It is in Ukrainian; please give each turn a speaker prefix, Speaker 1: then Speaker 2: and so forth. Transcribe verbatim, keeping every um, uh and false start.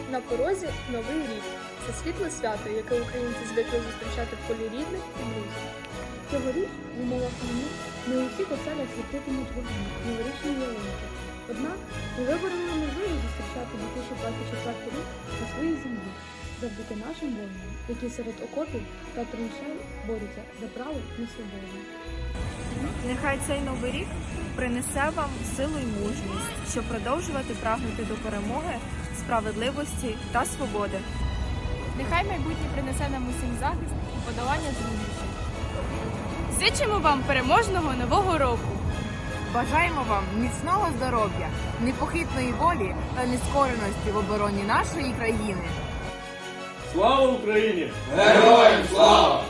Speaker 1: На порозі Новий рік. Це світле свято, яке українці звикли зустрічати в колі рідних і друзів.
Speaker 2: Цьогоріч в умовах війни не у всіх оселях світитимуть вогні новорічні ялинки. Однак ми вибороли можливість зустрічати дві тисячі двадцять четвертий рік на своїй землі, завдяки нашим воїнам, які серед окопів та траншей борються за право на свободу.
Speaker 3: Нехай цей новий рік принесе вам силу й мужність, щоб продовжувати прагнути до перемоги, справедливості та свободи.
Speaker 4: Нехай майбутнє принесе нам усім захист і подолання труднощів. Зичимо вам переможного нового року!
Speaker 5: Бажаємо вам міцного здоров'я, непохитної волі та нескореності в обороні нашої країни.
Speaker 6: Слава Україні!
Speaker 7: Героям слава!